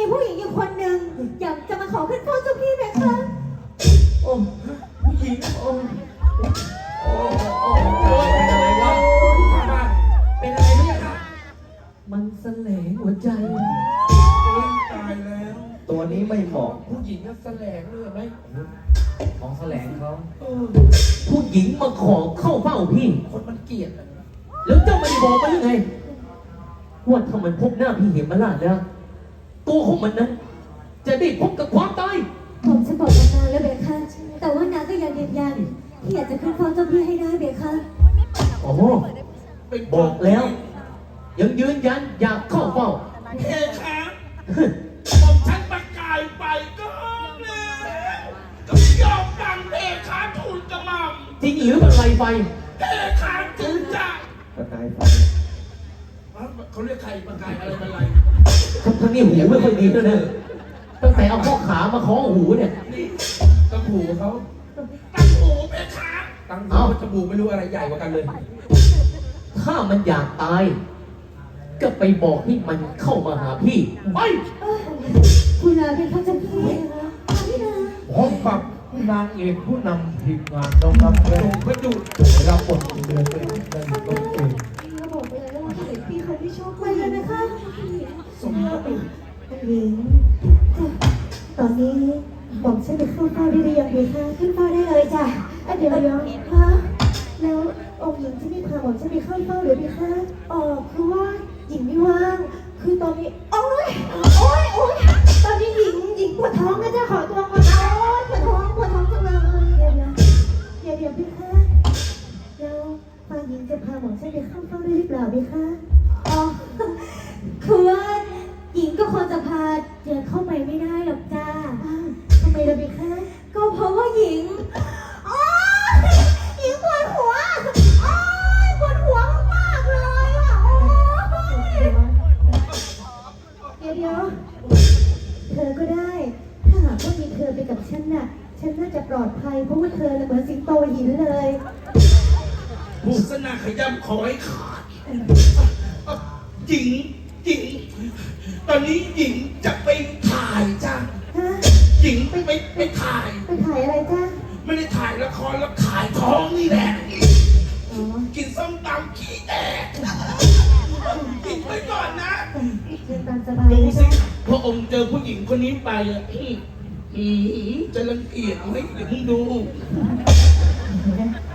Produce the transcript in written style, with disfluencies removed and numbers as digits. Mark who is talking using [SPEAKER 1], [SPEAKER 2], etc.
[SPEAKER 1] ผู้หญิงอยู่คนหนึ่งอยากจะมาขอขึ้นเฝ้าเจ้าพี่ไหมคะ
[SPEAKER 2] โอ้ผู้หญิงโอ้โอ้โอ้เป็นอะไรวะเป็นอะไรเนี่ยครับมันแสลงหัวใจตายแล้ว
[SPEAKER 3] ตัวนี้ไม่เหมาะ
[SPEAKER 2] ผู้หญิงก็แสลงเลยไหมของแสลงเขา
[SPEAKER 4] ผู้หญิงมาขอเข้าเฝ้าพี่
[SPEAKER 2] คนมันเกลียด
[SPEAKER 4] แล้วเจ้าไม่ได้บอกมันหรือไงว่าถ้ามันพบหน้าพี่เหมราชแล้วตัวของมันนั้นจะได้พบกับความตาย
[SPEAKER 1] ผมจะบอกนางแล้วเบคะแต่ว่านางก็ยังยืนยันที่อยากจะขึ้นเฝ้าเจ้าพี่ให้ได้เบคะ
[SPEAKER 4] โอ้บอกแล้วยังยืนยันอยากเข้าเฝ้า
[SPEAKER 2] เพคะผมฉันประกายไปก็แล้วก็ยอมดังเพคะทูลกระหม่อม
[SPEAKER 4] จริงหรือบันไลไฟ
[SPEAKER 2] เพคะจึงจะ
[SPEAKER 3] ประกายไฟ
[SPEAKER 2] เขาเรียกใครประกายอะไรบันไล
[SPEAKER 4] ทั้งนี้หูไม่ค่อยดีแล้วนะตั้งแต่เอาข้อขามาคล้องหูเนี่ย
[SPEAKER 2] นี่ตั้งหูเขาตั้งหูเพคะตั้งหูจมูกไม่รู้อะไรใหญ่กว่ากันเลย
[SPEAKER 4] ถ้ามันอยากตายก็ไปบอกให้มันเข้ามาหาพี่ไป
[SPEAKER 1] คุณลาเป็นข้าเจ้าพี่พี่นา
[SPEAKER 3] พร้อมกับนางเอกผู้นำทีมงานน้องรับเรื่องพระจุรับบทเดือนเป็นต้นเอง
[SPEAKER 1] เขาบอกไปเลยว่าเห็นพี่เขาไม่ชอบไปเลยนะคะ
[SPEAKER 2] สมมติ
[SPEAKER 1] หญิงตอนนี้บอกฉันไปเข้าเฝ้าได้หรือยังดีคะขึ้นเฝ้าได้เลยจ้ะเดี๋ยวฮะแล้วองค์หญิงจะไม่พาบอกฉันไปเข้าเฝ้าหรือดีคะคือว่าหญิงไม่ว่างคือตอนนี้โอ๊ยตอนนี้หญิงปวดท้องนะจ๊ะขอตัวก่อนปวดท้องจังเลยเดี๋ยวพี่คะแล้วฝ่ายหญิงจะพาหมอฉันไปเข้าเฝ้าได้หรือเปล่าพี่คะคือว่าหญิงก็ควรจะพาเจอเข้าไปไม่ได้หรอกจ้าทำไมล่ะพี่คะก็เพราะว่าหญิงหญิงปวดหัวปวดหัวมากเลยอ่ะเดี๋ยวเธอก็ได้ถ้าหากว่ามีเธอไปกับฉันน่ะฉันน่าจะปลอดภัยเพราะว่าเธอเหมือนสิงโตหินเลย
[SPEAKER 2] บุษนาขย้ำขอให้ขาดหญิงตอนนี้หญิงจะไปถ่ายจ้าหญิงไปถ่าย
[SPEAKER 1] อะไรจ้า
[SPEAKER 2] ไม่ได้ถ่ายละครแล้วถ่ายท้องนี่แหละกินส้มตำขี้แตกกินไปก่อนนะดูสิพระองค์เจอผู้หญิงคนนี้ไปจะรังเกียจไหมเดี๋ยวมึงดู